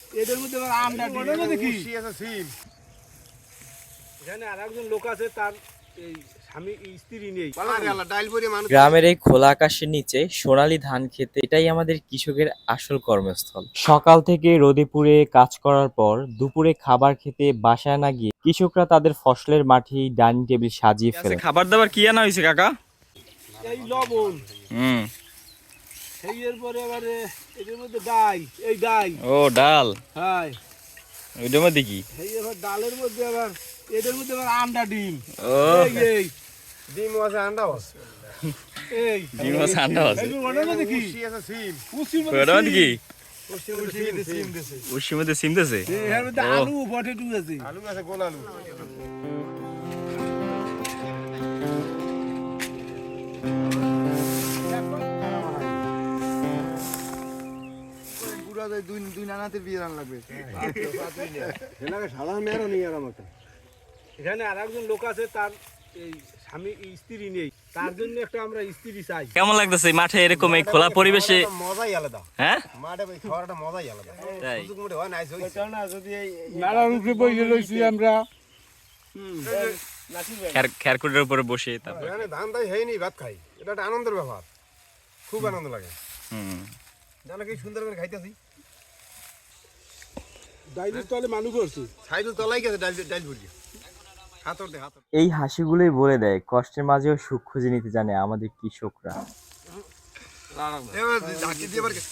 এদের মধ্যে আবার আমটা দেখি এখানে আর একজন লোক আছে, তার এই স্বামী স্ত্রী নেই। গ্রামের এই খোলা আকাশের নিচে সোনালী ধান খেতে, এটাই আমাদের কৃষকের আসল কর্মস্থল। সকাল থেকে রোদে পুড়ে কাজ করার পর দুপুরে খাবার খেতে বাসায় না গিয়ে কৃষকরা তাদের ফসলের মাঠেই ডাইনিং টেবিল সাজিয়ে ফেলে। খাবার দাবার কি আনা হয়েছে কাকা? এই লবণ, এরপরে আবার এদের মধ্যে ডাই, এই ডাই ও ডাল, হ্যাঁ ওইটার মধ্যে কি? এই আবার ডালের মধ্যে আবার এদের মধ্যে আবার আন্ডা ডিম। ও এই ডিম আছে, আন্ডাও আছে। এই ডিম আছে, আন্ডা আছে। ওটার মধ্যে কি? উশি আছে, সিম। উশির মধ্যে ওইটার মধ্যে কি? উশির মধ্যে সিম দিছে। উশির মধ্যে সিম দিছে। এর মধ্যে আলু পটেটো আছে। আলু আছে, গোল আলু। পুরা দুই নানাতে বিয়ে রান লাগবে। সাধারণ মেয়েরও নিয়ে আর আমাকে। এখানে আর একজন লোক আছে, তার এই স্বামী স্ত্রী নেই, তার জন্য একটা আমরা স্ত্রী চাই। কেমন লাগতেছে মাঠে এরকম এই খোলা পরিবেশে? মজাই আলাদা। হ্যাঁ, মাঠে খাওয়ার একটা মজাই আলাদা। তাই সুযোগ মতো হয় না, যদি এই নালার উপরে বসে রয়েছি আমরা, খেরকুটের উপরে বসে তারপর এখানে ধান তাই হয়নি, ভাত খাই, এটা একটা আনন্দের ব্যাপার, খুব আনন্দ লাগে। জানো কি সুন্দর করে খাইতেছি। ডাইলের তলে মানুষ করছি। সাইডের তলাই গেছে ডাইল ডাইল ভরি। হাতর দে হাতর। এই হাসিগুলোই বলে দেয় কষ্টের মাঝেও সুখ খুঁজে নিতে জানে আমাদের কৃষকরা। এবার ঝাঁকি দিয়ে বার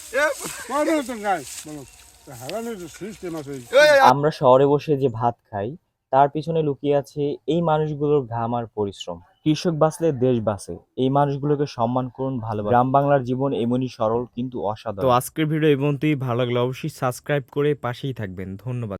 আমরা শহরে বসে যে ভাত খাই তার পিছনে লুকিয়ে আছে এই মানুষগুলোর ঘাম আর পরিশ্রম। কৃষক বাঁচলে দেশ বাঁচে, এই মানুষগুলোকে সম্মান করুন, ভালোবাসুন। গ্রাম বাংলার জীবন এমনই সরল কিন্তু অসাধারণ। তো আজকের ভিডিও এই পর্যন্তই। ভালো লাগলে অবশ্যই সাবস্ক্রাইব করে পাশেই থাকবেন। ধন্যবাদ।